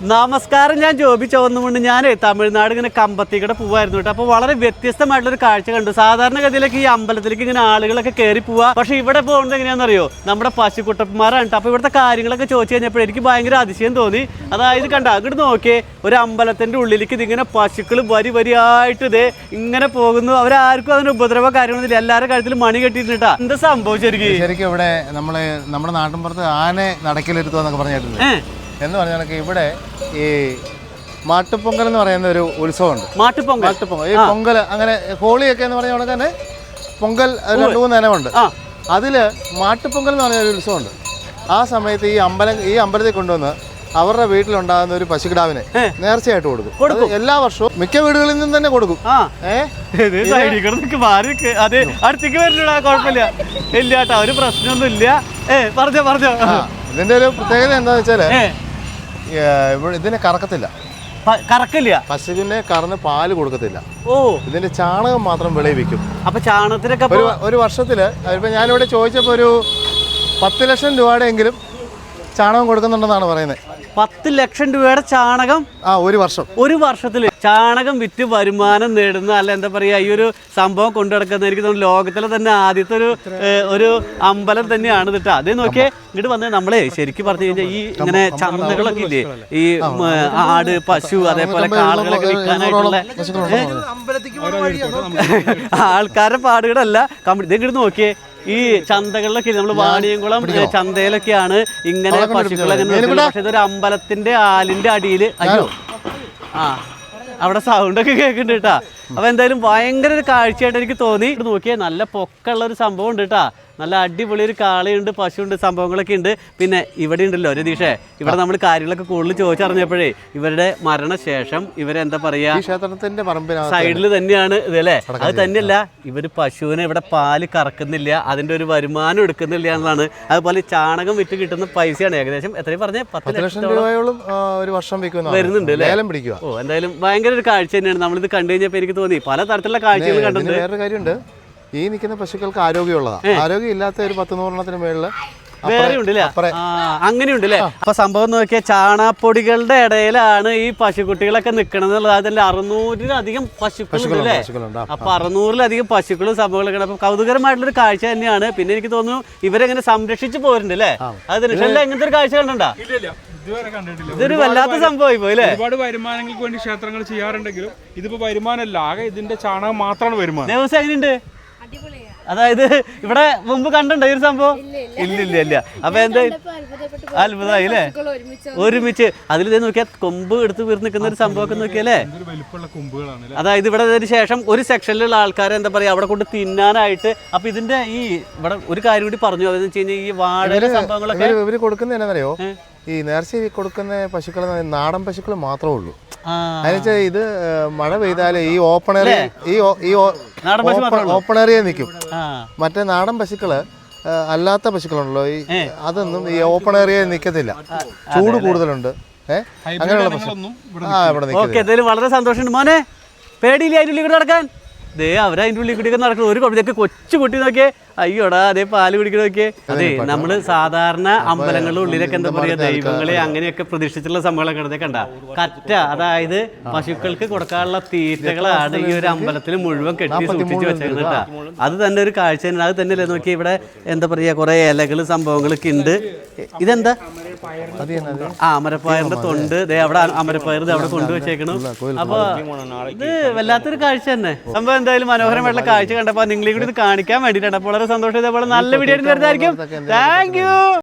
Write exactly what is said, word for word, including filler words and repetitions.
നമസ്കാരം, ഞാൻ ജോബി ചോന്നുകൊണ്ട് ഞാൻ തമിഴ്നാട് ഇങ്ങനെ കമ്പത്തിക്കടെ പോവായിരുന്നു കേട്ടോ. അപ്പോൾ വളരെ വ്യത്യസ്തമായിട്ടുള്ളൊരു കാഴ്ച കണ്ടു. സാധാരണഗതിയിലേക്ക് ഈ അമ്പലത്തിലേക്ക് ഇങ്ങനെ ആളുകളൊക്കെ കയറി പോവുക. പക്ഷേ ഇവിടെ പോകുന്നത് എങ്ങനെയാണെന്നറിയോ, നമ്മുടെ പശുക്കുട്ടന്മാരാണ്. അപ്പോൾ ഇവിടുത്തെ കാര്യങ്ങളൊക്കെ ചോദിച്ചു കഴിഞ്ഞപ്പോൾ എനിക്ക് ഭയങ്കര അതിശയം തോന്നി. അതായത് കണ്ട അങ്ങോട്ട് നോക്കിയേ, ഒരു അമ്പലത്തിൻ്റെ ഉള്ളിലേക്ക് ഇതിങ്ങനെ പശുക്കൾ വരി വരിയായിട്ട് ഇതേ ഇങ്ങനെ പോകുന്നു. അവരാർക്കും അതിന് ഉപദ്രവ കാര്യങ്ങളൊന്നുമില്ല. എല്ലാവരുടെ കാര്യത്തിൽ മണി കെട്ടിയിട്ടാ. എന്താ സംഭവം ശരിക്കും? ശരിക്കും ഇവിടെ നമ്മള് നമ്മുടെ നാട്ടിൻപുറത്ത് ആന നടക്കിലെടുത്തുവെന്നൊക്കെ പറഞ്ഞിട്ടുണ്ട്. എന്ന് പറഞ്ഞാൽ ഇവിടെ ഈ മാട്ടുപൊങ്കൽ എന്ന് പറയുന്ന ഒരു ഉത്സവമുണ്ട്. മാട്ടുപൊങ്കൽ മാട്ടുപൊങ്കൽ ഈ പൊങ്കൽ അങ്ങനെ ഹോളിയൊക്കെ എന്ന് പറഞ്ഞ തന്നെ പൊങ്കൽ രണ്ട് മൂന്ന് ഇനമുണ്ട്. അതില് മാട്ടുപൊങ്കൽ എന്ന് പറഞ്ഞ ഒരു ഉത്സവമുണ്ട്. ആ സമയത്ത് ഈ അമ്പലം ഈ അമ്പലത്തിൽ കൊണ്ടുവന്ന് അവരുടെ വീട്ടിലുണ്ടാകുന്ന ഒരു പശുക്കിടാവിനെ നേർച്ചയായിട്ട് കൊടുക്കും. എല്ലാ വർഷവും മിക്ക വീടുകളിൽ നിന്നും തന്നെ കൊടുക്കും. അടുത്തേക്ക് വരില്ല, കുഴപ്പമില്ല, ഇല്ല കേട്ടോ, ഒരു പ്രശ്നമൊന്നും ഇല്ല. ഏ പറഞ്ഞോ പറഞ്ഞോ. ഇതിന്റെ ഒരു പ്രത്യേകത എന്താന്ന് വെച്ചാല് ഇതിനെ കറക്കത്തില്ല. കറക്കില്ല. പശുവിനെ കറന്ന് പാല് കൊടുക്കത്തില്ല. ഓ, ഇതിന്റെ ചാണകം മാത്രം വിളയിപ്പിക്കും. അപ്പൊ ചാണകത്തിനൊക്കെ ഒരു ഒരു വർഷത്തില് ഇപ്പൊ ഞാനിവിടെ ചോദിച്ചപ്പോ ഒരു പത്ത് ലക്ഷം രൂപയുടെ എങ്കിലും ചാണകം കൊടുക്കുന്നുണ്ടെന്നാണ് പറയുന്നത്. പത്ത് ലക്ഷം രൂപയുടെ ചാണകം ആ ഒരു വർഷം ഒരു വർഷത്തില് ചാണകം വിറ്റ് വരുമാനം നേടുന്ന, അല്ല എന്താ പറയാ, ഈ ഒരു സംഭവം കൊണ്ടു നടക്കുന്ന എനിക്ക് തോന്നുന്നു ലോകത്തിലെ തന്നെ ആദ്യത്തെ ഒരു ഒരു അമ്പലം തന്നെയാണ് കേട്ടോ. അതേ നോക്കിയേ, ഇങ്ങോട്ട് വന്ന് നമ്മളെ ശരിക്കും പറഞ്ഞു കഴിഞ്ഞാൽ ഈ ഇങ്ങനെ ചന്തകളൊക്കെ ഇല്ലേ, ഈ ആട് പശു അതേപോലെ കാളുകളൊക്കെ വിൽക്കാനായിട്ടുള്ള ആൾക്കാരുടെ പാടുകളല്ല. ഇത് ഇങ്ങോട്ട് നോക്കിയേ, ഈ ചന്തകളിലൊക്കെ നമ്മൾ വാണിയംകുളം ചന്തയിലൊക്കെയാണ് ഇങ്ങനെ പശുക്കളൊക്കെ. പക്ഷെ ഇതൊരു അമ്പലത്തിന്റെ ആലിന്റെ അടിയിൽ അയ്യോ ആ അവിടെ സൗണ്ടൊക്കെ കേൾക്കുന്നുണ്ട് കേട്ടാ. അപ്പൊ എന്തായാലും ഭയങ്കര ഒരു കാഴ്ചയായിട്ട് എനിക്ക് തോന്നി. നോക്കിയാൽ നല്ല പൊക്കമുള്ള ഒരു സംഭവം ഉണ്ട് കേട്ടാ. നല്ല അടിപൊളി ഒരു കാളയുണ്ട്, പശുണ്ട്, സംഭവങ്ങളൊക്കെ ഉണ്ട്. പിന്നെ ഇവിടെ ഉണ്ടല്ലോ രതീഷേ, ഇവിടെ നമ്മൾ കാര്യങ്ങളൊക്കെ കൂടുതൽ ചോദിച്ചറിഞ്ഞപ്പോഴേ ഇവരുടെ മരണശേഷം ഇവരെന്താ പറയാ സൈഡിൽ തന്നെയാണ് ഇത് അല്ലേ. അത് തന്നെയല്ല, ഇവര് പശുവിനെ ഇവിടെ പാല് കറക്കുന്നില്ല, അതിന്റെ ഒരു വരുമാനം എടുക്കുന്നില്ല എന്നതാണ്. അതുപോലെ ചാണകം വിറ്റ് കിട്ടുന്ന പൈസയാണ് ഏകദേശം എത്രയും പറഞ്ഞ പത്ത് ലക്ഷം രൂപയോളം ഒരു വർഷം വരുന്നുണ്ട് അല്ലേ. ഓ, എന്തായാലും ഭയങ്കര ഒരു കാഴ്ച തന്നെയാണ്. നമ്മളിത് കണ്ടു കഴിഞ്ഞപ്പോൾ എനിക്ക് തോന്നി പല തരത്തിലുള്ള കാഴ്ചകൾ കണ്ടിട്ടുണ്ട്. വേറൊരു കാര്യമുണ്ട്, ഈ നിൽക്കുന്ന പശുക്കൾക്ക് ആരോഗ്യമുള്ളതാണ്. ആരോഗ്യം ഇല്ലാത്ത ഒരു പത്ത് നൂറെണ്ണത്തിന് മേളില് വേറെ ഉണ്ടല്ലേ. അങ്ങനെയുണ്ടല്ലേ. അപ്പൊ സംഭവം നോക്കിയാൽ ചാണാപ്പൊടികളുടെ ഇടയിലാണ് ഈ പശുക്കുട്ടികളൊക്കെ നിൽക്കണത്. അതിൽ അറുന്നൂറിലധികം പശുക്കളുണ്ടല്ലേ. അപ്പൊ അറുന്നൂറിലധികം പശുക്കളും സംഭവങ്ങളൊക്കെ. അപ്പൊ കൗതുകരമായിട്ടുള്ളൊരു കാഴ്ച തന്നെയാണ്. പിന്നെ എനിക്ക് തോന്നുന്നു ഇവരെങ്ങനെ സംരക്ഷിച്ചു പോരുന്നുണ്ട് അല്ലേ. അത് നിഷല്ല എങ്ങനത്തെ ഒരു കാഴ്ച കണ്ടോ? ഇതൊരു വല്ലാത്ത സംഭവമായി പോയില്ലേ. ഒരുപാട് വരുമാനങ്ങൾക്ക് വേണ്ടി ക്ഷേത്രങ്ങൾ ചെയ്യാറുണ്ടെങ്കിലും ഇതിപ്പോ വരുമാനമല്ല, ആകെ ഇതിന്റെ ചാണകം മാത്രമാണ് വരുമാനം. ദിവസം എങ്ങനെയുണ്ട്? അതായത് ഇവിടെ മുമ്പ് കണ്ടോ ഈ ഒരു സംഭവം? ഇല്ല ഇല്ല ഇല്ല. അപ്പൊ എന്താ അത്ഭുതമായി അല്ലേ. ഒരുമിച്ച് അതിൽ ഇത് നോക്കിയാൽ കൊമ്പ് എടുത്ത് വീർന്ന് നിൽക്കുന്ന ഒരു സംഭവമൊക്കെ നോക്കിയല്ലേ. അതായത് ഇവിടെ ഇതിന് ശേഷം ഒരു സെക്ഷനിലുള്ള ആൾക്കാർ എന്താ പറയാ അവിടെ കൊണ്ട് തിന്നാനായിട്ട്. അപ്പൊ ഇതിന്റെ ഈ ഇവിടെ ഒരു കാര്യം കൂടി പറഞ്ഞു, അതെന്ന് വെച്ച് കഴിഞ്ഞാൽ ഈ വാഴ സംഭവങ്ങളൊക്കെ ഇവര് കൊടുക്കുന്ന എന്നറിയോ, ഈ നേർച്ച കൊടുക്കുന്ന പശുക്കൾ നാടൻ പശുക്കൾ മാത്രമേ ഉള്ളൂ. അതിനുവെച്ചാൽ ഇത് മഴ പെയ്താല് ഈ ഓപ്പൺ ഏറിയ ഈ ഓപ്പൺ ഏറിയ നിൽക്കും. മറ്റേ നാടൻ പശുക്കള് അല്ലാത്ത പശുക്കളുണ്ടല്ലോ, ഈ അതൊന്നും ഈ ഓപ്പൺ ഏറിയ നിൽക്കത്തില്ല. ചൂട് കൂടുതലുണ്ട്. ഏഹ് അങ്ങനെയുള്ള പശു ആ ഇവിടെ നിൽക്കും. വളരെ സന്തോഷമുണ്ട് മോനെ. പേടിയില്ല അതിൻ്റെ ഉള്ളിൽ കൂടെ നടക്കാൻ. ദേ അവരതിൻ്റെ ഉള്ളിൽ കൂടിയൊക്കെ നടക്കണം. ഒരു കുഴപ്പമിതൊക്കെ കൊച്ചു കുട്ടി നോക്കിയേ, അയ്യോടാ അതേ പാല് കുടിക്കണ നോക്കിയേ. അതെ, നമ്മള് സാധാരണ അമ്പലങ്ങളുടെ ഉള്ളിലൊക്കെ എന്താ പറയാ ദൈവങ്ങളെ അങ്ങനെയൊക്കെ പ്രതിഷ്ഠിച്ചുള്ള സംഭവങ്ങളൊക്കെ കണ്ട കറ്റ, അതായത് പശുക്കൾക്ക് കൊടുക്കാനുള്ള തീറ്റകളാണ് ഈ ഒരു അമ്പലത്തിൽ മുഴുവൻ കെട്ടി സൂക്ഷിച്ച് വെച്ചേക്കുന്നത് കേട്ടാ. അത് തന്നെ ഒരു കാഴ്ച തന്നെ. അത് തന്നെയല്ലേ നോക്കിയാൽ ഇവിടെ എന്താ പറയാ കുറെ ഇലകള് സംഭവങ്ങളൊക്കെ ഉണ്ട്. ഇതെന്താ? ആ അമരപ്പയറിന്റെ തൊണ്ട് ദേ അവിടെ അമരപ്പയർ അവിടെ കൊണ്ടുവച്ചേക്കണം. അപ്പൊ ഇത് വല്ലാത്തൊരു കാഴ്ച തന്നെ. സംഭവം എന്തായാലും മനോഹരമായിട്ടുള്ള കാഴ്ച കണ്ടപ്പോ നിങ്ങളെ കൂടി ഇത് കാണിക്കാൻ വേണ്ടിയിട്ടാണ്. അപ്പോൾ വളരെ സന്തോഷം. ഇതേപോലെ നല്ല വീഡിയോ വരുന്നതായിരിക്കും. Thank U.